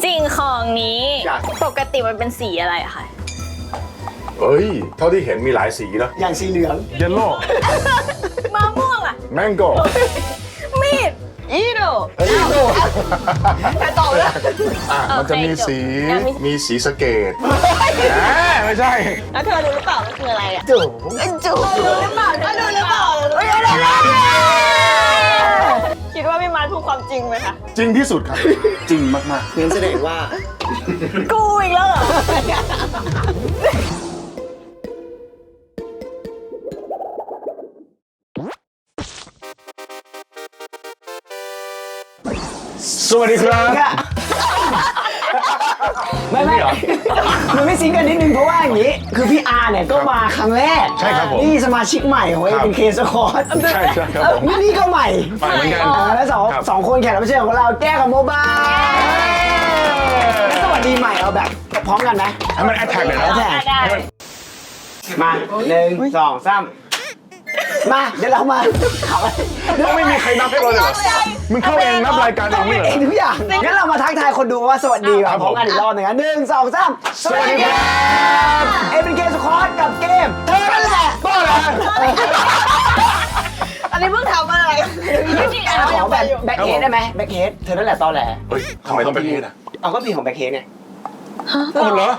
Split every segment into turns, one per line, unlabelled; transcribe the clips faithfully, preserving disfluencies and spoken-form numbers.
สิ่งของนี้ปกติมันเป็นสีอะไรอะคะ
เฮ้ยเท่าที่เห็นมีหลายสีนะ
อย่างสีเหลือง
เยลโล่
มะม่วงอะ
แมงโก้
มีดอีโด
แต่ตอบแล้ว
อ่ะมันจะมีสีมีสีสเกตไม่ใช่
แล้วเธอรู้หรือเปล่ามันคืออะไรอะ
จุ๋ม
จูรู้หรือเปล่ารู้หรือเปล่าคิดว่าพี่มาร์ทพูดความจริงไหมคะ
จริงที่สุดครับ จริงมาก
งั้นแสดงว่า
กูอีกแล้วเหรอ
ๆสวัสดีครับ
ไม่ไม่มันไม่ซิงกันนิดนึงเพราะว่าอย่างนี้ คือพี่อาร์เนี่ยก็มาครั้งแรก
ใช่ครับผม
นี่สมาชิกใหม่ของเอเป็นเคสคอร์ส
ใช่ใช่ครับผม
นี่ก็ใหม่
ไปเหมือนกัน
อ่าแล้วสอง
ครับ
สองคนแขกรับเชิญของเราแก้วกับโมบายแล้วสวัสดีใหม่เอาแบบพร้อมกันไหม
ให้มันแอทแทกเลยนะ
แอทแท็ก
ได้
มาหนึ่งสองสามมาเดี๋ยวเรามาเอาไป
ต้องไม่มีใครนับให้เราเลยเหรอมึงเข้าเองนับรายการเอ
ต้อง
ง
เป็
นี่
น
เหรอ
เองทุกอย่างงั้นเรามาทักทายคนดูว่าสวัสดีแบบพร้อมกันอีกรอบหนึ่งนะหนึ่งสองสามสวัสดีครับเอเป็นเกมสคอร์สกับเกมเธอนั่นแหละก็แหละ
อันนี้เพิ่งทำอะไรไม่จริงอ่ะ
ขอแบบแบ็คเฮดได้ไหมแบ็คเฮดเธอนั่นแหละตอแหล
เฮ้ยทำไมต้องเป็นเพศอ่ะ
เอาก็เพลงของแบ็คเฮดไง
โอ้เหรอ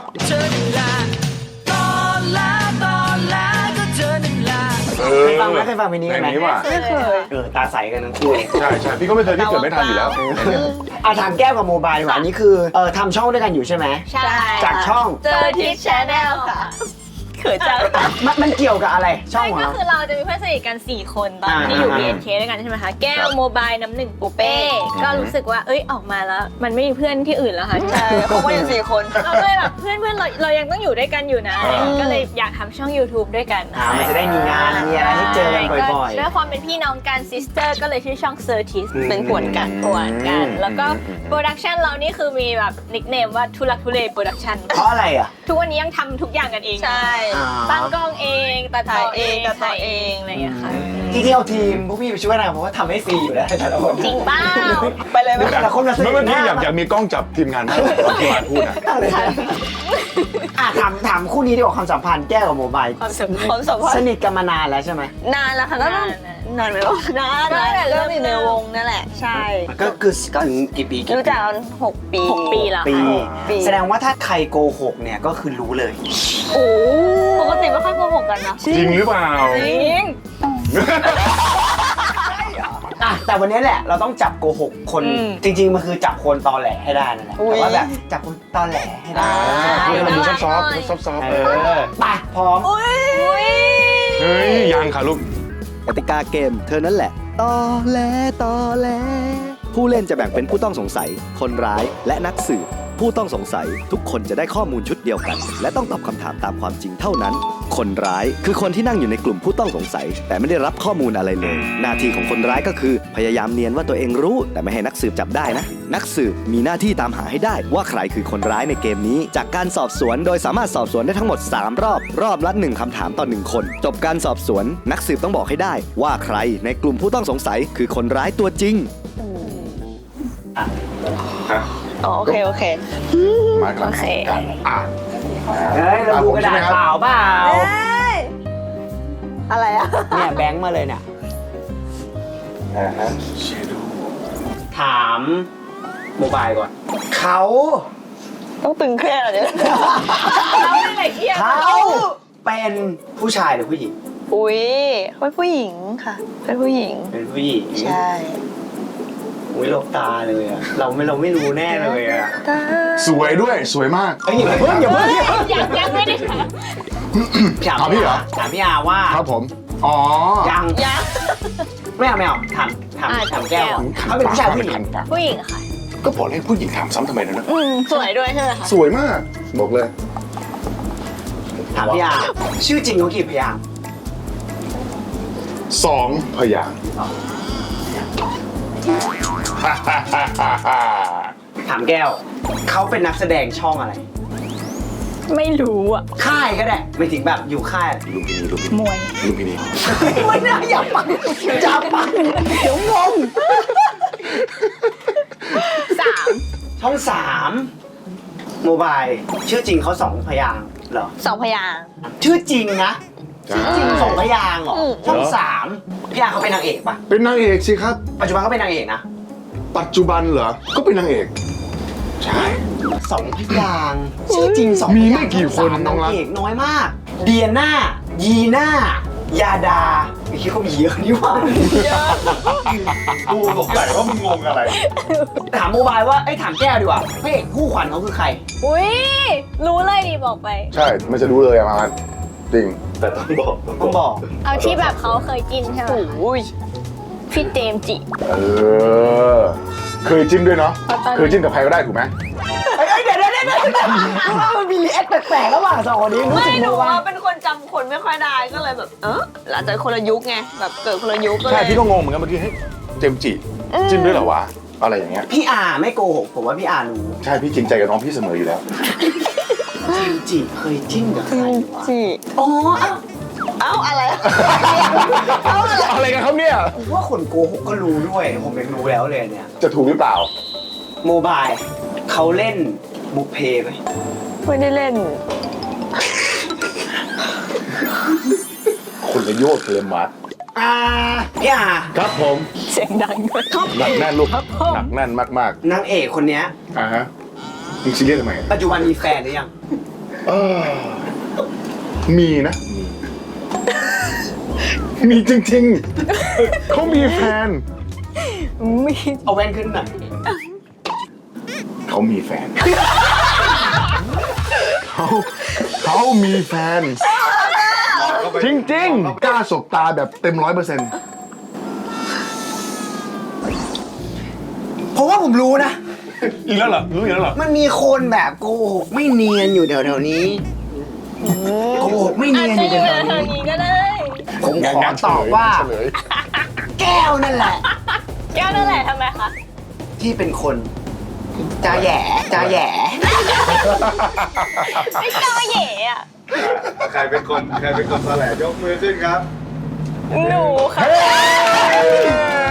เออ
เคยฟังไหมเคยฟังเพลงนี้ไหม
เพลงนี้ว่ะ
ไม่เคย
เออตาใสกันทั้งคู่เลย
ใช่ใช่พี่ก็ไม่เคยพี่เกิดไม่ทันอยู่แล้ว
อ่ะถามแก้วกับโมบายดีกว่าอันนี้คือเออทำช่องด้วยกันอยู่ใช่ไหม
ใช่
จากช่อง
เจอที่ชแนลค่ะเขินจัง
มันมันเกี่ยวกับอะไรช่อง
ใช่
ของ
ก็
เรา
คือเราจะมีเพื่อนสนิทกันสี่คนตอน
อ่า
ที่อยู่
อ่า
บี เอ็น เค ด้วยกันใช่ไหมคะแก้วโมบายน้ำหนึ่งปูเป้ก็รู้สึกว่าเอ้ยออกมาแล้ว มันไม่มีเพื่อนที่อื่นแล้วค่ะใช่เขาก็ยังสี่คนเราก็เลยแบบเพื่อนเพื่อนเราเรายังต้องอยู่ด้วยกันอยู่นะ
อ่า
ก็เลยอยากทำช่อง YouTube ด้วยกัน
อ่ามันจะได้มีงานมีอะไรให้เจอกันบ่อยๆ
ด้วยความเป็นพี่น้องกันซิสเตอร์ก็เลยชื่อช่องเซอร์ทิส
อืม
เป็นผวนกันผวนกัน แล้วก็โปรดักชันเรานี่คือมีแบบนิคเนมว่าทุลักทุเลโปรดักชัน
เพราะอะไรอ่ะ
ทุกวันนี้ยังทำทุกอย่างกันเอง
ใช่
อ่า
ตั้งกล้องเองตัดต่อเอง
ตัดต่อ
ถ่ายเองอะไรอย่างเงี้ยค่ะ
ที่ที่เอาทีมพวกพี่ไปช่วยนะเพราะว่าทำให้ฟรีอยู่แล้วแต่ละคน
จริงเปล่า
ไปเลยไหม
แต่ละคนละ
เมื่อกี้อยากอยากมีกล้องจับทีมงานมากตอนที่มาพูดอ่ะ
อ่ะถามถามคู่นี้ดีกว่าความสัมพันธ์แก้วกับโมบาย
ความสัมพันธ์
ความสัมพัน
ส
ธ์
นิทกันมานานแล้วใช่ไหม
นานแล้วค่ะก็ต้องนานไหมวะนาน
ก็ตั้งแต่เริ่
เริ่
ม
มอยู่ในวงนั่นแหละ ใช่
ก็คือถึงกี่ปีกี่
รู้จักกันหกปี
หกปีแล้ว
ปี
ค่ะ
ปี
แสดงว่าถ้าใครโกหกเนี่ยก็คือรู้เลย
โอ้ปกติไม่ค่อยโกหกกันนะ
จริงหรือเปล่า
จริง
อ่ะแต่วันนี้แหละเราต้องจับโกหกคนจริง ๆมันคือจับคนตอแหลให้ได้นั่นแหละแต่ว่าแบบจับคนตอแหลให้ได้
พูดให้มันดูซอฟต์ๆซอฟต์ๆ
เอ
เออ
อไปพร้อม
เฮ้ยยังค่ะลูก
กติกาเกมเธอนั่นแหละตอแหลตอแหลผู้เล่นจะแบ่งเป็นผู้ต้องสงสัย คนร้าย และนักสืบ ผู้ต้องสงสัยทุกคนจะได้ข้อมูลชุดเดียวกัน และต้องตอบคำถามตามความจริงเท่านั้น คนร้ายคือคนที่นั่งอยู่ในกลุ่มผู้ต้องสงสัย แต่ไม่ได้รับข้อมูลอะไรเลย หน้าที่ของคนร้ายก็คือ พยายามเนียนว่าตัวเองรู้ แต่ไม่ให้นักสืบจับได้นะ นักสืบมีหน้าที่ตามหาให้ได้ว่าใครคือคนร้ายในเกมนี้ จากการสอบสวนโดยสามารถสอบสวนได้ทั้งหมดสามรอบ รอบละหนึ่งคำถามต่อหนึ่งคน จบการสอบสวน นักสืบต้องบอกให้ได้ ว่าใครในกลุ่มผู้ต้องสงสัยคือคนร้ายตัวจริง
อ๋อโอเคโอเค
มาครับ
โอเค
กันอ่ะ
เฮ้ยเราดูกระดาษเปล่าเปล่า
อะไรอะ
เนี่ยแบงค์มาเลยเนี่ย
อ่าฮะ
ถามโมบายก่อนเขา
ต้องตึงเครียดเหรอเนี่ย
เราไม่ละเอียด
เขาเป็นผู้ชายหรือผู้หญิง
อุ้ยเขาเป็นผู้หญิงค่ะ เป็นผู้หญิง
เป็นผู้หญิง
ใช่
อุ้ยหลบตาเลยอะเราไม่เราไม่รู้แน่เลยอะ
ตา
สวยด้วยสวยมาก
เอ้ยอย่าเพิ่งอย่าเพิ่งอย่าเพิ่ง
ยังยังไม่ได้ถาม
ถามพี่เหรอ
ถามพี่อาว่า
ครับผม อ๋อ
ยัง
ยัง
ไม่เอาไม่เอาถามถาม
อ่า
ถามแก้วอะ
ขั
เขาเป็นผู้ชายผู้หญิง
ขันปาก
ผู้หญิงค่ะ
ก็บอกเลยผู้หญิงถามซ้ำทำไมนะ
อืมสวยด้วยใช่ไหมคะ
สวยมาก บอกเลย
ถามพี่อาชื่อจริงเขากี่พยางค์
สองพยางค์
ถามแก้วเขาเป็นนักแสดงช่องอะไร
ไม่รู้อ่ะ
ค่ายก็ได้ไม่ถึงแบบอยู่ค่าย
ลุมพินีลุมพินี
มวย
ลุมพินี
ไม่น่าอยากปังจับปังเดี๋ยวงง
สาม
ช่องสามโมบายชื่อจริงเขาสองพยางค์เหรอ
สองพยางค์
ชื่อจริงนะ
ใช่
ชื่อจริงสองพยางค์เหรอ
อืม
ช่องสามพี่อาเขาเป็นนางเอกปะ
เป็นนางเอกสิครับ
ปัจจุบันเขาเป็นนางเอกนะ
ปัจจุบันเหรอ ก็เป็นนางเอก ใช่
สองพยางค์ชื่อจริงสองพ
มี
ยาง
ไม่
ค์
กี่คน
ช่งสาม
น้องรั
นาก งเอกน้อยมาก เดียน่ายีน่ายาดาไม่คิดเขามีเยอะนี่หว่า
กูสงสัยว่ามึงงงอะไร
ถามโมบายว่าไอ้ยถามแก้วดีกว่าพระเอกคู่ขวัญเขาคือใคร
อุ้ยรู้เลยดิบอกไป
ใช่ไม่จะรู้เลยอะมันจริง
แต่ต้องบอก
ต้องบอก
เอาที่แบบเขาเคยกินใช่ไหม
โอ้ย
พี่เจมส์จิ
เออ เคยจิ้นด้วยเนาะ
ตอน
เคยจิ้นกับใครก็ได้ถูกไหม
เอ้ยเอ้ยเดี๋ยวเดี๋ยวเดี๋ยวเดี๋ยวว่ามันมีรีแอคแปลกๆระหว่างสองคนนี้รู้
ไม่
สึก
หนู
โมบา
ว่าย เป็นคนจำคนไม่ค่อยได้ก็เลยแบบ เอออาจจะคนละยุคไงแบบเกิดคนละยุคก็เล
ใช่
ย
พี่ก็งงเหมือนกันเมื่อกี้เฮ้ยเจมส์จิ จิ้นด้วยเหรอวะ อะไรอย่างเงี้ย
พี่อาไม่โกหกผมว่าพี่อารู้
ใช่พี่จริงใจกับน้องพี่เสมออยู่แล้ว
จิมจิเคยจิ้นกับใครวะ
จี
อ๋อเอ้า
เอ้าอะไรเอ้าอะไร
อะไรกันครับเนี่ย
ผมว่าคนโกหกก็รู้ด้วย ผมยังรู้แล้วเลยเนี่ย
จะถูกหรือเปล่า
โมบายเขาเล่นบุพเพไหม
ไม่ได้เล่น
คนละโยชน์เลยมัด
อ่าพี่อา
ครับผม
เสียงดังด้วย
หนักแน่นลูกหนักแน่นมาก
นางเอกคนเนี้ย
ๆอ่าฮะมึงซีเรียสทำไม
ปัจจุบันมีแฟนหรือยัง
เออมีนะ มีจริงๆ เขามีแฟน
มี
เอาแว่นขึ้นหน่อย
เขามีแฟน เขาเขามีแฟน จริงๆ กล้าสบตาแบบเต็มร้อยเปอร์เซ็นต์
เพราะว่าผมรู้นะ
อีกแล้วเหรอ รู้อีกแล้วเหรอ
มันมีคนแบบโกหกไม่เนียนอยู่แถวๆนี้โกหกไม่
อา
เนี
จ
ยน
จะ
อ
อยู่ ยู่
แถว
แถ
ๆ
ว
นี้
ๆนี้ก็ได้
ผมขอตอบว่า
เฉลย
แก้วนั่นแหละ
แก้วนั่นแหละทำไมคะ
ที่เป็นคนจาแหย่จาแหย่
ไม่กล้าเหย่อะ
ใครเป็นคนใครเป็นคนแถลงยกมือขึ้นครับ
หนูค่ะ
เฮ้ย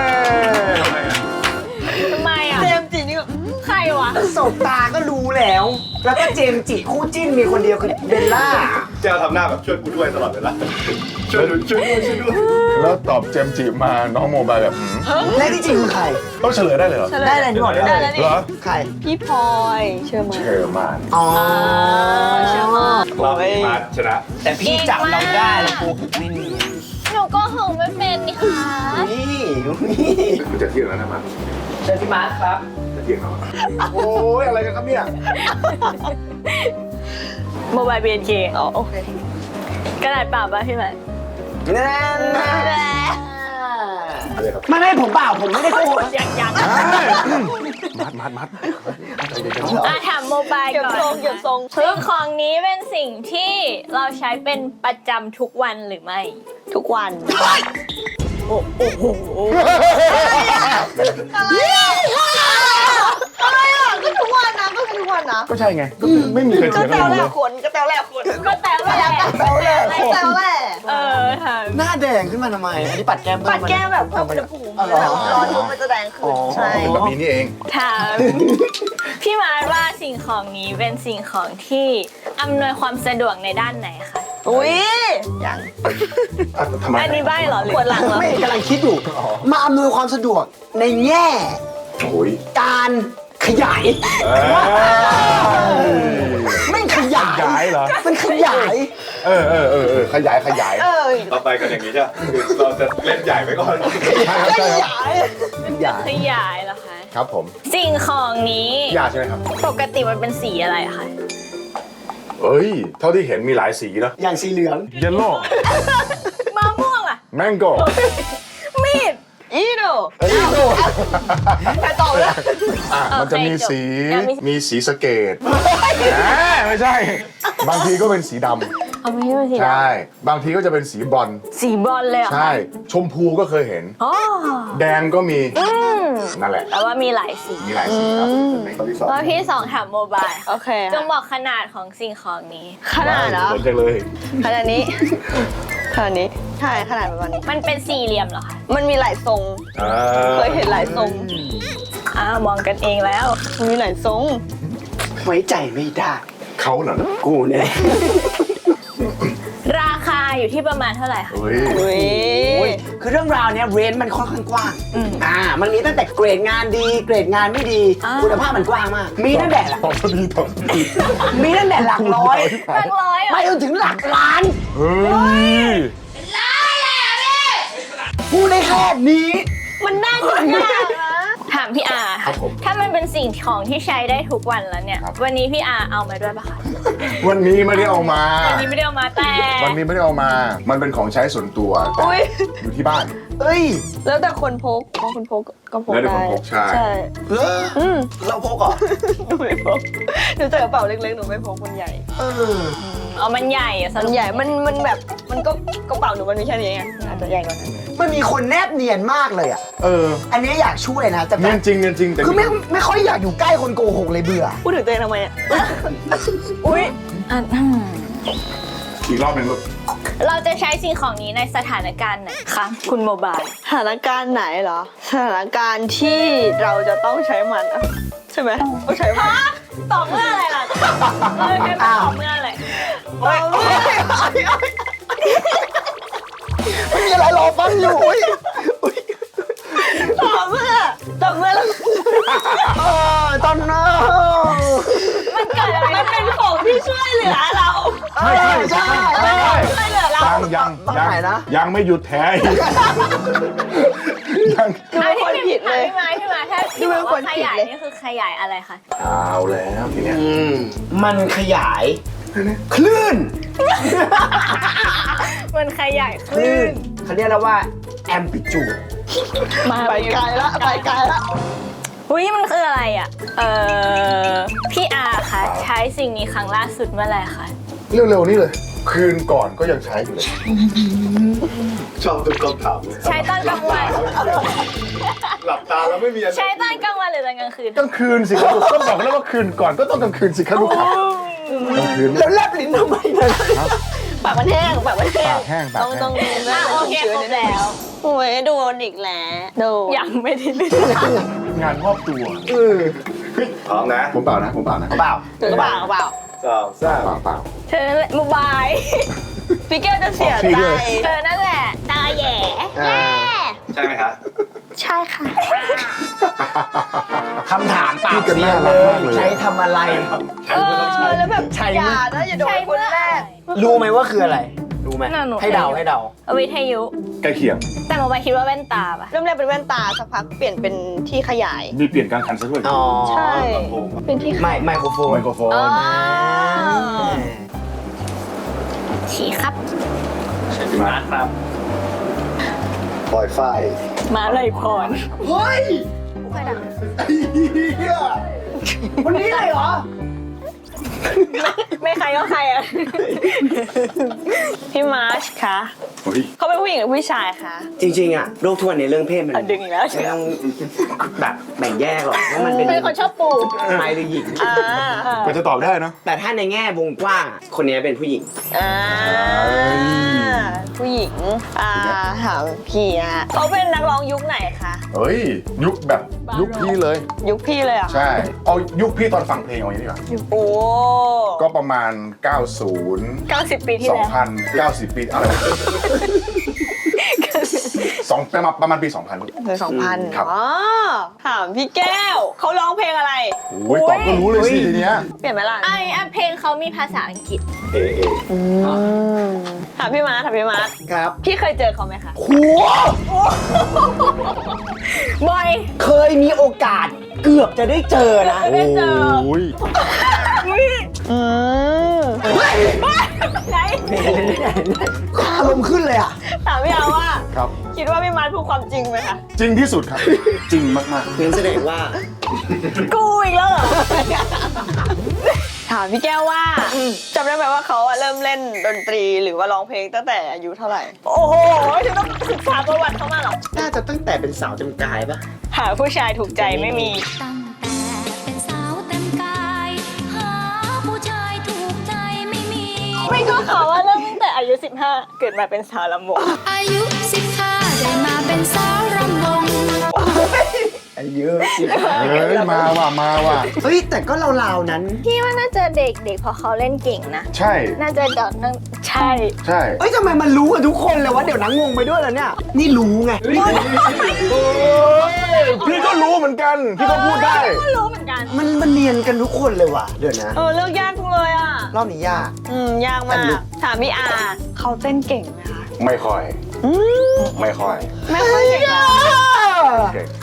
ทำไมอ่ะ
เจมส์จีนี่ก็
ใครวะ
สบตาก็รู้แล้ว แล้วก็เจมส์จิคู่จิ้นมีคนเดียวคือเบลล่า
เจ้าทำหน้าแบบช่วยกูด้วยตลอดเวลาช่วยดูช่วยด้วยช่วยด้วย
แล้วตอบเจมส์จิมาน้องโมบายแบบหืม
และที่จริงคือใคร
ต้องเฉลยได้เลยเหรอ
ได้เลยที่บอกได้
ได้
เล
แล้
ยว
นี่
เหรอ
ใคร
พี่พลอยเชื่อไหม
เชอร์มาน
อ๋อ
เชื่อมาก
รอบนี้มาชนะ
แต่พี่จับเราได้แล้วโกหกไม่เนียน
หนูก็หงไม่เป็นนี่ค่ะ
นี่นี่
คือจะเที่ยงแล้วนะมัน
เชิญพี่มาร์คครับ
จะเที่ยงแล้วโอ้ยอะไรกันครับเนี่ย
โมบายเบียนเค
อ๋อโอเค
กระดาษเปล่าป่ะพี่ใหม่
นั่นนะ
อะไรครับ
ไม่ไม่ผมเปล่าผมไม่ได้โกหก
ยังยัง
มัดมัดมัดใจเย็น
อ่ะถามโมบาย
เก็บ
ก่อน
ทรงเก็บทรง
คือของนี้เป็นสิ่งที่เราใช้เป็นประจำทุกวันหรือไม่
ทุกวัน
โอ้โอ้โห
อะไรอ่ะก็ทุกวันนะก็ทุกวันนะ
ก็ใช่ไงก็ไม่มีใคร
ก็
เถียง
แต
กัน
ว
เล
แร
ย
กคนก็แตวแรกคน
ก็แต่ว่า
แตวแรกแตวแรก
เออถาม
หน้าแดงขึ้นมาทำไม อันนี้ปัดแก้มเพิ่
ปั
ม
ด
มา
แก้มแบบเพิ่มอุณหภูมิแบบร้อนปุ๊บมันจะแดงขึ้นใช่
เป็นแบบนี้นี่เอง
ถามพี่มาร์ทว่าสิ่งของนี้เป็นสิ่งของที่อำนวยความสะดวกในด้านไหนคะ
อุ้ยอย่าง
อ่ะทำไม
อันนี้ใบ้เหรอหรือ
ปวดหลังเหรอ
ไม่กำลังคิดอยู่ มาอำนวยความสะดวกในแง่
โอ้ย
การขยาย ไม่ขยาย
ขยายเหรอ
มันขยาย
เออเออเออเออขยายขยาย
เออ
ต่อไปกันอย่างนี้ใช่ไหมคือเราจะเล่นใหญ่ไปก่อน
ใช่ครับใช่ครับ
มันจะขยายเหรอคะ
ครับผม
สิ่งของนี้
ยาใช่ไหมครับ
ปกติมันเป็นสีอะไรอะคะ
เอ้ย เท่าที่เห็นมีหลายสีนะ
อย่างสีเหลือง
เยลโล่
มะม่วงอะ
แมงโก้
มีด
อีโด
เอ้ยโ
ใครตอบเลย
อ่ะมันจะมีสี
โอเคจบ
มีสีสะเกตไม่ใช่ บางทีก็เป็นสีด
เอาไม่ใช่เป็นสี
ำ
ด
ใช่ บางทีก็จะเป็นสีบรอนซ์
ำสีบอลเลยเหรอคะ
ใช่ ชมพูก็เคยเห็น
อ๋อ
แดงก็มี
อืม
นั่นแหละ
แต่ว่ามีหลายสี
มีหลายสีครับเป็นข้อที่สอง
แล้วพี่สองถามโมบาย
โอเค
จงบอกขนาดของสิ่งของนี้
ขนาดเหรอ
ผลจังเลย
ขนาดนี้ขนาดนี้ใช่ขนาดประมาณนี้
มันเป็นสี่เหลี่ยมเหรอคะ
มันมีหลายทรง
อ่า
เคยเห็นหลายทรง
ออ้าวมองกันเองแล้ว
มีหลายทรง
ไว้ใจไม่ได้
เขาเหรอ
กูเนี่ย
ราคาอยู่ที่ประมาณเท่าไหร่คะ
เฮ้ย
เฮ้ย
โอ้ยคือเรื่องราวเนี้ยเรนจ์มันค่อนข้างกว้างอ่ามันมีตั้งแต่เกรดงานดี เกรดงานไม่ดี คุณภาพมันกว้างมาก มีตั้งแต่หลัก
ตอบพอดีตอบพอดี
มีตั้งแต่หลักร้อย
หลักร้อยเหร
ไป
อ
จนถึงหลักล้าน
เฮ้ย
พูดได้แค่นี้
มันน่าจะยากนะถามพี่อา
ครับผม
ถ้ามันเป็นสิ่งของที่ใช้ได้ทุกวันแล้วเนี่ย
ครับ
วันนี้พี่อาเอามาด้วยปะคะ
วันนี้ไม่ได้เอามา
วันนี้ไม่ได้เอามาแต่
วันนี้ไม่ได้เอามา มันเป็นของใช้ส่วนตัวแต่
อุ้ย
อยู่ที่บ้าน
เอ้ย
แล้วแต่คนพกบางคนพกก็พก
แล้วแต่
ได้
คนพกใช่
ใช่
เหรอ
อืม
เราพกเหรอ
หนูไม่พกหนูใส่กระเป๋าเล็กๆหนูไม่พกมันใหญ่
เออ
เอามันใหญ่อะส
มั
รุ
น
ป
ใหญ่มันมันแบบมันก็กระเป๋าหนูมันมีแค่นี้ไงอาจจะใหญ่กว่านั้น
มันมีคนแนบเนียนมากเลยอ่ะ
เออ
อันนี้อยากช่วยนะแต่แบ
เนีย
บ
นจริงเนียนจริงแต่
คือไม่ไม่ค่อยอยากอยู่ใกล้คนโกหกเลยเบื่อ
พูดถึงตัวเองทำไมอ่ะ อุ้ย
อ่ะอืม
อีกรอบหนึ่งลูก
เราจะใช้สิ่งของนี้ในสถานการณ์ไหนคะคุณโมบาย
สถานการณ์ไหนเหรอสถานการณ์ที่เราจะต้องใช้มันอะใช่ไหมต้องใช้มัน
ตอบเมื่ออะไรล่ะเออใช้ตอบเมื่ออะไร
โอ้ย
ไม่มีอะไรรอฟังอยู่อุ๊ยอุ๊ย
ตอบเมื่อตอบเมื่อแล้ว
เออตอนนั้น
มันเกิดอะไร
มันเป็นของที่ช่วยเหลือเรา
ใช่ใช่ใช่
ช่วยเหลือเรา
ยังยัง
ต้อง
ยัง
ไหนนะ
ยังไม่หยุดแท้อีกยัง
ดูเป็นคนผิดเลย
พี่ไม้พี่ไม้ถ้าที่บอกว่าขยายนี่คือขยายอะไรคะ
เอาแล้วทีเนี้ย
อืมมันขยายคลื่น
มันขยาย
ค
คลื่
ลื่
น
นเขาเรียกแล้วว่า amplitude
มา
ไปไกลละไปไกลละ
อุ้ยมันคืออะไรอ่ะ เออพี่อาคะใช้สิ่งนี้ครั้งล่าสุดเมื่อไหร่คะ
เร็วๆนี่เลย คืนก่อนก็ยังใช้อยู่เลย
ชอบทุกคำถามเลย
ใช้ตอนกลางวัน
หลับตาแล้วไม่มีอะไร
ใช้ตอนกลางวันหรือตอนกลางคืน
กลางคืนสิครับก็บอกแล้วว่าคืนก่อนก็ต้องกลางคืนสิครับลูกค้ากลางคืน
แล้วแลบลิ้นทำไมเนี่ย
ปากมันแห้งปากมันแห้ง
ปากแห้งปาก
ต้อง
แห้
ต้อง ง
อ่ะโอเคครบแล้ว
โอ้ยโดนอีกแล้วโดน
ยังไม่ได้เล่น
งานมอบตัว
เออ
พร้อมนะ
ผมเปล่านะผมเปล่านะ
เปล่า
ถือกระเป๋ากระเป๋า
สองสาม
เปล่าเปล่า
เธอนั่นแหละโมบาย
พี่แก้วจะเสีย
พี่
ใจ
ด้วย
เธอนั่นแหละตาแหย่
อ่า
ใช่ไหมคะ
ใช่ค่ะ
คำถามปาก
พี่กัน
เสีย
น่า
เล
รักมาย กเลย
ใช้ทำอะไร
ใช้ก็ต้องใช้
แล้วแบบ
ใช่
อย่านะอย่าโดน
ใช่
ค
เมื่
น
อ
แรก
รู้ไหมว่าคืออะไร รู้ไหม
น่าหนู
ให้เดาให้เดา
วิทยุ
ใกล้เคียง
แต่โมบายคิดว่าแว่นตาปะ
เริ่มแรกเป็นแว่นตาสักพักเปลี่ยนเป็นที่ขยาย
มีเปลี่ยนกลางคันซะด้วย
อ๋อ
ใช่ เป็นที่
ไมค์ไมโครโฟน
ไมโครโฟน
อ๋อ
อ่า
ฉีครับ
มาครับปล่อยไฟ
มาเลยพร
เฮ้ย
ไอ้เหี้ย
วันนี้เลยเหรอ
ไม่ใครก็ใครอ่ะ
พี่มาร์ชคะ
เฮ้ย
เขาเป็นผู้หญิงหรือผู้ชายคะ
จริงๆอะโลกทั่วในเรื่องเพศมัน
อ่ะดึงอีกแล้ว
ไม่ต้องแบบแบ่งแยกหรอกว่ามันเป็น
เป็นคนชอบปลูก
ชายหรือหญิง
อ่า
ก็จะตอบได้เนอะ
แต่ถ้าในแง่วงกว้างอะคนนี้เป็นผู้หญิง
อ่าผู้หญิงอ่าถามพี่อะเขาเป็นนักร้องยุคไหนคะ
เฮ้ย ยุคแบบยุคพี่เลย
ยุคพี่เลยเหรอ่ะ
ใช่ เอายุคพี่ตอนฟังเพลงเอาอย่างนี้ดีกว่า
โอ้
ก็ประมาณ เก้าสิบ
เก้าสิบปีที่แล้ว
สองพัน เก้าสิบ ปีอะไรวะสองประมาณประมาณปี สองพัน
ถึงสองพัน
ครับ
อ๋อถามพี่แก้วเขาร้องเพลงอะไร
โอ้ยตอบก็รู้เลยสิทีเนี้ย
เปลี่ยนไหมล่ะ
ไอ้อ่ะเพลงเขามีภาษาอังกฤษ
เอเอ
ถามพี่มาร์ทถามพี่มาร์ท
ครับ
พี่เคยเจอเขาไหมคะ
หัว
บอย
เคยมีโอกาสเกือบจะได้เจอนะ
ไม่เจอ
โอ้ย
อืม
ไหน
อารมณ์ขึ้นเลยอ่ะ
ถามพี่เอาว่า
ครับ
คิดว่าพี่มาร์ทพูดความจริงไหมคะ
จริงที่สุดครับ จริงมาก
งั้นแสดงว่า
กูอีกแล้วเหรอ ถามพี่แก้วว่าจำได้ไหมว่าเขาอะเริ่มเล่นดนตรีหรือว่าร้องเพลงตั้งแต่อายุเท่าไหร่ โอ้โหถึงต้องศึกษาประวัติเขามาเหรอ
น่าจะตั้งแต่เป็นสาวจำกายปะ
หาผู้ชายถูกใจไม่มี
ตั้งแต่เป็นสาวเต็มกาย หาผู้ชายถูกใจไม่มี
ไม่ก็เขาว่าเริ่มตั้งแต่อายุสิบห้าเกิดมาเป็นสาวลำวง
อายุสิบห้าได้มาเป็นสาวรำวง
ไอ้เยอะจริง
เฮ้ยมาว่ะมาว่ะ
เฮ้ยแต่ก็ราวๆนั้น
พี่ว่าน่าจะเด็กเด็กเพราะเขาเล่นเก่งนะ
ใช่
น่าจะเดอกนั่งใช่
ใช่
เอ้ยทำไมมันรู้กันทุกคนเลยวะเดี๋ยวนังงงไปด้วยแล้วเนี่ย นี่รู้ไง
พี่ก็รู้เหมือนกัน พี่ก็พูดได้
ก็รู้เหมือนกัน
มันมันเนียนกันทุกคนเลยว่ะเดี๋ยวนะ
เออเลือกยากจังเลยอ่ะ
รอบนี้ยาก
อืมยากมากถามพี่อาเขาเต้นเก่งไหมคะ
ไม่ค่อย ไม่ค่อย
ไม่ค่อยเก่งอะ
เก่ง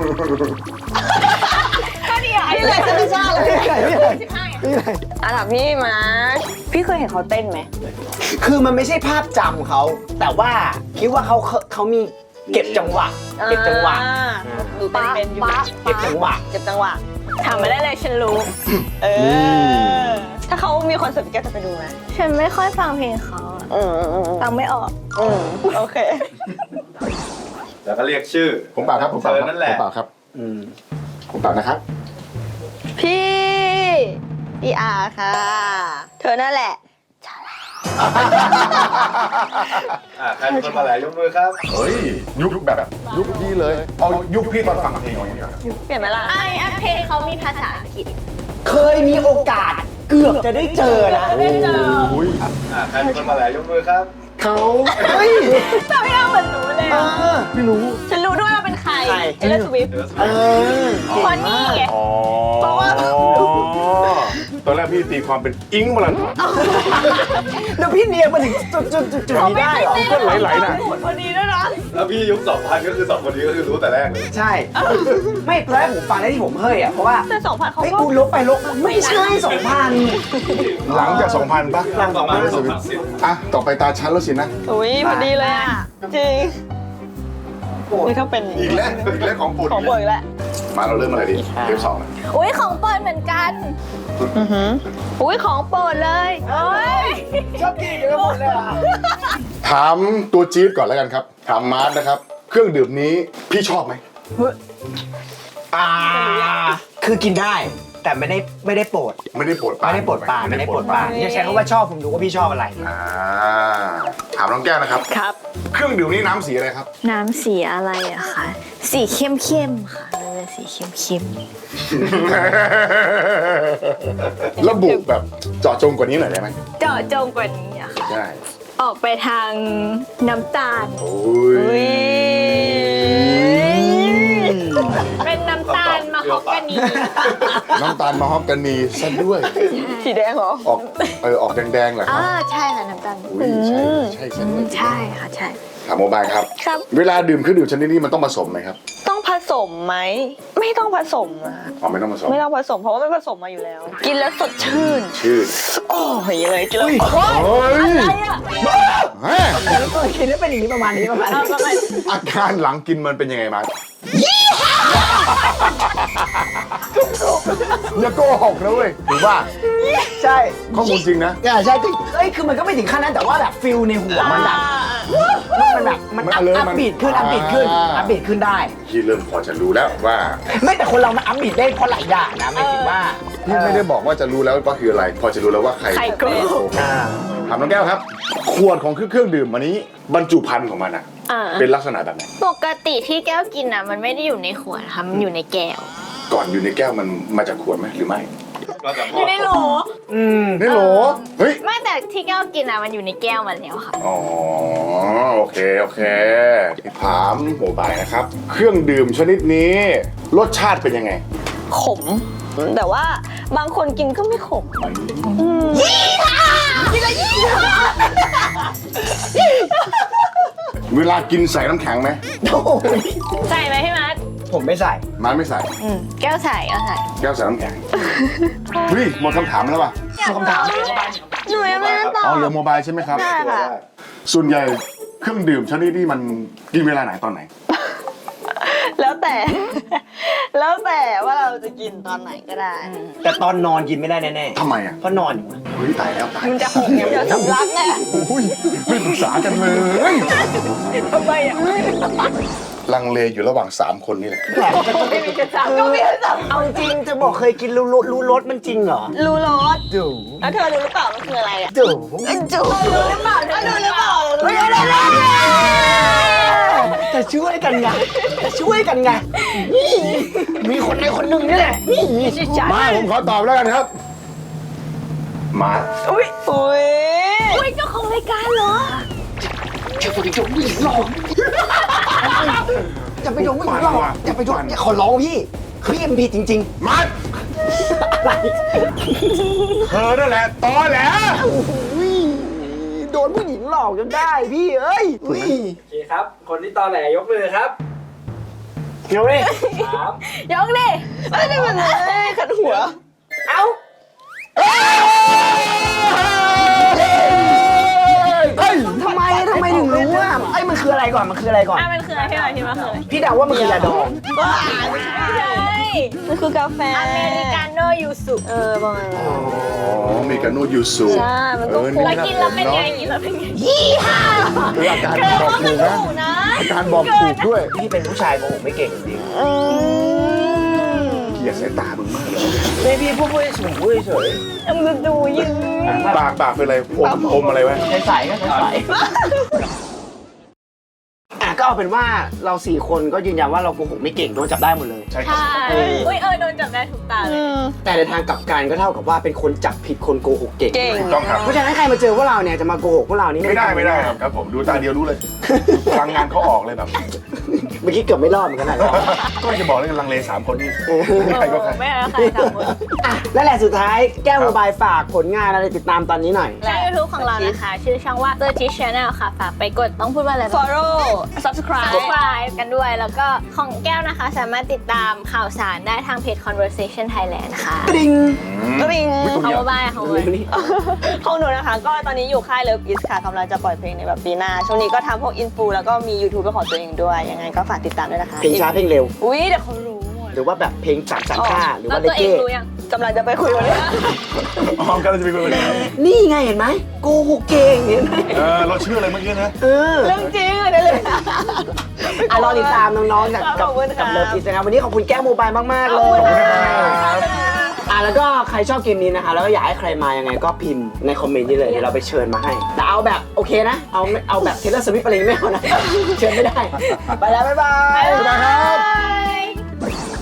ก็ดีอ่ะ
พี่เลยจะชาเลย
พี่ไหนพี่ไหน
สิบห้า
พี่ไหน
อ่ะถามพี่มาพี่เคยเห็นเขาเต้นไหม
คือมันไม่ใช่ภาพจำเขา แต่ว่าคิดว่าเขาเขามีเก็บจังหวะ เก็บจังหวะ
อ่าดูเต้นเป็นอยู่
เก็บจังหวะ
เก็บจังหวะ
ถามมาได้เลยฉันรู้
เออ ถ้าเขามีคอนเสิร์ตพี่แก้วจะไปดูไหม
ฉันไม่ค่อยฟังเพลงเขาอะ
อืมอืมอืม
ฟังไม่ออก
อืมโอเค
แล้วก็เรียกชื่อ
ผมเปล่าครับผมเปล่า
เธ
ค
อ
รับ
นั่นแหละ
ผมเปล่าครับ
อืม
ผมเปล่านะครับ
พี่พี่อาค่ะ เธอนั่นแหละ
อ่ะใครเป็นคนมาแหละยกมือครับ
เฮ้ย ยุคแบบยุคพี่เลย เอายุคพี่ตอนฟังเพลงอย่างเงี้ย
เปลี่ยนไหมล่ะ
ไอ้อันเพลงเขามีภาษาอังกฤษ
เคยมีโอกาสเกือบจะได้เจอนะ
ได้เจอ
โอ้ย
อ่ะใครเป็นคนมาแหละยกมือครับ
เขาเฮ้ย
แต่ไม่เอาเหมือนรู้เลย
เอ
อะ
อ
ไม่รู้
ฉันรู้ด้วยว่าเป็นใคร
ใคร
เอเลสวิฟ
เออ
คอนนี่ไง
อ๋อ
เพราะว่า
ตอนแรกพี่ตีความเป็นอิงมาลัน
แล้วพี่เนียนมาถึงจุดจุดจุดจุดนี้ได้เหรอ
ก็ไหลๆน่ะ
พอดีด้วยนะ
แล้วพี่ยุคสองพันก็คือสองคนนี้ก็คือรู้แต่แรกเลย
ใช่ ไม่ตอนแรกผมฟังได้ที่ผมเฮ้ยอ่ะ เพราะว่า
แต่สองพันเขา
เฮ้ย
ก็
กูลบไปลบไม่ใช่สองพัน
หลังจากสองพันป่ะ
หลัง
ประมาณสองพันสิบ
อ่ะ ต่อไปตาชั้นแล้วสินะ
อุ้ยพอดีเลยอ่ะ จริง นี่เขาเป็น
อีกแล้วอีกแล้วของโปรด
ของโปรดอีกแล้ว
มาเราเริ่มอะไรดีเทปสองนะ
อุ้ยของเปิดเหมือนกัน
อุ้ยของโปรดเลย
โอ้ย
ชอบกินเยอะหมดเลยอ่ะ
ถามตัวจี๊ดก่อนแล้วกันครับ ถามมาร์ทนะครับ เครื่องดื่มนี้พี่ชอบไหม
อ่า คือกินได้ แต่ไม่ได้ไม่ได้โปรด
ไม่ได้โปรดปราน
ไม่ได้โปรดปรานไม่ได้โปรดปรานอย่าใช้คำว่าชอบผมดูว่าพี่ชอบอะไร
อ่าถามน้องแก้วนะครับ
ครับ
เครื่องดื่มนี้น้ำสีอะไรครับ
น้ำสีอะไรอะคะ สีเข้มเข้มๆค่ะมันเป็นสีเข้มเข้ม
ระบุแบบเจาะจงกว่านี้หน่อยได้ไหม
เจาะจงกว่านี้อะค่ะ
ใช่
ออกไปทางน้ำตาล
โอ้
อุ้
ย
ย
เป็นน้ำตาลมะฮอกกานี
น้ำตาลมะฮอกกานีซะด้วย
สีแดงเหรอ
ออกเออออกแดงๆเหรอค
อ่า
รับ
ใช่ค่ะน้ำตาล
อุ้ยใช่ใช่ใช่
อืมใช่ค่ะใช่
ถามโมบายครับ
ครับ
เวลาดื่มเครื่องดื่มชนิดนี้มันต้องผสมไหมครับ
ต้องผสมไหม ไม่ต้องผสมนะ
อ๋อไม่ต้องผสม
ไม่ต้องผสมเพราะว่ามันผสมมาอยู่แล้ว กินแล้วสดชื่น
ชื่อ
โอ้ยเลยกินแล้ว
เฮ้ยฮะ
แล้วก็กินแล้วเป็นอย่างนี้ประมาณนี้ประมาณนี้
อาการหลังกินมันเป็นยังไงมาอย่าโกหกนะเว้ยถือว่า
ใช่
ข้อมูลจริงนะ
ใช่จริงเอ้ยคือมันก็ไม่ถึงขั้นนั้นแต่ว่าแบบฟิลในหัวมันแบบมันแบบมัน
มัน
อัพ
alert
อัพ
มัน
บีดขึ้นอัพบีดขึ้น
อ่า
อัพบีดขึ้นได้
พี่เริ่มพอจะรู้แล้วว่า
ไม่แต่คนเรามันอัพบีดได้เพราะหลายอย่างนะหมายถึงว่า
พี่ไม่ได้บอกว่าจะรู้แล้วว่าคืออะไร พอจะรู้แล้วว่าใคร
ไข่กรอบ
อ่า
ถามน้องแก้วครับ ขวดของเครื่องดื่มอันนี้บรรจุภัณฑ์ของมันอะ
อ่า
เป็นลักษณะแบบไหน
ปกติที่แก้วกินอ่ะ มันไม่ได้อยู่ในขวดค่ะมันอยู่ในแก้ว
ก่อนอยู่ในแก้วมันมาจากขวดไหมหรือไม่
ก็จะ
อยู่ในโหล
อืม
ในโหลเฮ้ย
ไม่แต่ที่แก้วกินอ่ะมันอยู่ในแก้วมาแล้วค่ะ
อ๋อโอเคโอเคถามโมบายนะครับ เครื่องดื่มชนิดนี้ รสชาติเป็นยังไง
ขม แต่ว่าบางคนกินก็ไม่ขม
เวลากินใส่น้ำแข็งไหม
โอ้ย
ใส่ไหมพี่มัด
ผมไม่ใส่
มันไม่ใส่
อืมแก้วใส่แก้วใส่
แก้วใส่น้ำแข็งเฮ้ยหมดคำถามแล้วป่ะ
คำถาม
หนูยังไม่ได้ตอ
อ๋
บ
อเหลือโมบายใช่ไหมครับ
ได้ค่ะ
ส่วนใหญ่เครื่องดื่มชนิดนี้มันกินเวลาไหนตอนไหน
แล้วแต่ แล้วแต่ว่าเราจะกินตอนไหนก็ได้
แต่ตอนนอนกินไม่ได้แน่
ทำไมอ่ะ
ๆเพราะนอนอยู่อะ
เฮ้ยตายแล้วตาย
มันจะหกเนี่ยมันจะสำลักไง
โอ้ยไม่ปรึกษากันเลย
ทำไมอ่ะ
ลังเลอยู่ระหว่างสามคนนี่แหละ
แปลก
ไม่มีกระจับก็มีกระจับ
เอาจริงจะบอกเคยกินรู้รสรู้รสมันจริงเหรอ
รู้รส
ดู
แล้วเธอรู้หรือเปล่ามันคืออะไรอ่ะ
ดู
จูรู้หรือเปล่ารู้หรือเปล่า
ไม่ได้เลยจะช่วยกันไงจะช่วยกันไงนี่มีคนในคนหนึ่งนี่แหละนี่
มาผมขอตอบแล้วกันครับ มา
อุ้ยอุ้ย
อุ้ยเจ้าของรายการเหรอ
จะไปยกผู้หญิงหลอกจะไปยกผู้หญิงหลอกจะไปยกขอร้องพี่พี่มันผิดจริง
มา
ๆอะไร
เธอนั่นแหละตอแหล
โดนผู้หญิงหลอกจนได้พี่เอ้ย
โอเคครับ คนที่ตอแหลยกมือครับ
เดี๋ยวเลย
สาม
ยกดิ
เอ้ยนี่มันเลยขัดหัว
เอ้าทำไมทำไมถึงรู้อ่ะไอ้ยมันคืออะไรก่อนมันคืออะไรก่อน
อ่ะมันคืออะไรพี่บอยพี่ว่าคืออะไร
พี่เดาว่ามันคือยาดอง
ไม่ใช่
มันคือกาแฟ
อเมริกาโน่ยูสุ
เออประมาณนั้น
อ๋อมีกานูยูสุ
ใช่มันต้อง
เออ
แล้วกินแล้วเป็นไงกินแล้วเป็นไง
คืออาการบอกถูกนะ
ถูกนะ
อาการบอกถูกด้วย
พี่เป็นผู้ชายโกหกไม่เก่งจริง
เกลียดสายตามึงมากเลย
ไม่พี่พูดพูดเฉยพูดเฉย
มันดูยืน
ปากปากเป็นอะไรอมอมอะไรไว้
ใส่ใส่ก็ใส่ใส่อ่ะก็เอาเป็นว่าเราสี่คนก็ยืนยันว่าเราโกหกไม่เก่งโดนจับได้หมดเลย
ใช่ครับ
ใช่อุ้ยเออโดนจับได้ถูกตาเลย
แต่ในทางกลับกันก็เท่ากับว่าเป็นคนจับผิดคนโกหกเก่ง
เก่ง
ถูกต้องครับ
เพราะฉะนั้นใครมาเจอพวกเราเนี่ยจะมาโกหกพวกเรานี่
ไม่ได้ไม่ได้ครับครับผมดูตาเดียวรู้เลยพลังงานเขาออกเลยแบบ
เมื่อกี้เกือบไม่รอดเหมือนกันนะ
ก็จะบอกเลยลังเลสามคนนี่ไม่ใครก็ใคร
ไม่เอาใครสามคน
อ่ะและแหละสุดท้ายแก้วโมบายฝากผลงานอะไรติดตามตอนนี้หน่อย
ช่อง YouTube ของเรานะคะ ชื่อช่องว่า The Teach Channel ค่ะ ฝากไปกดต้องพูดว่าอะไรบ้าง
follow subscribe
subscribe กันด้วย แล้วก็ของแก้วนะคะ สามารถติดตามข่าวสารได้ทางเพจ Conversation Thailand ค่ะ
กริ๊ง
ก็มี
ของโมบายของโมบาย
ของหนูนะคะ ก็ตอนนี้อยู่ค่าย Love Is ค่ะกำลังจะปล่อยเพลงในแบบปีหน้า ช่วงนี้ก็ทำพวกอินฟูแล้วก็มี YouTube เป็นของตัวเองด้วย ยังไงก็ฝากติดตามด้วยนะคะ
เพลงช้าเพลงเร็ว
อุ้ยเดี๋ยวเขารู้หมด
หรือว่าแบบเพลงสามสามห้าหรือ
แล้ว
ว่าเล
ตัวเอง
เก้
รู้ยัง
กำลังจะไปคุยวันนี้
อ๋อกำลังจะไปคุยกันเลย
นี่ไงเห็นไหมโกหกเก่งเห็นไหม
เออเราชื่ออะไรเมื่อกี้นะ
เออ
เรื่องจริงเลยเนี่ยเลย
อ่ะรอติดตามน้องๆจาก
ข
กั
อ
บบ
คุณ
กับ
ค่ะ
เลิฟอีสนะครับวันนี้ขอบคุณแก้วโมบายมากๆเลยอ่ะแล้วก็ใครชอบเกมนี้นะคะแล้วก็อยากให้ใครมายังไงก็พิมพ์ในคอมเมนต์นี้เลยเดี๋ยวเราไปเชิญมาให้แต่เอาแบบโอเคนะเอาไม่เอาแบบเทเลอร์สวิฟอะไรไม่เอานะเชิญไม่ได้ไปแล้วบ๊ายบาย
บ๊ายบายครับ
Bye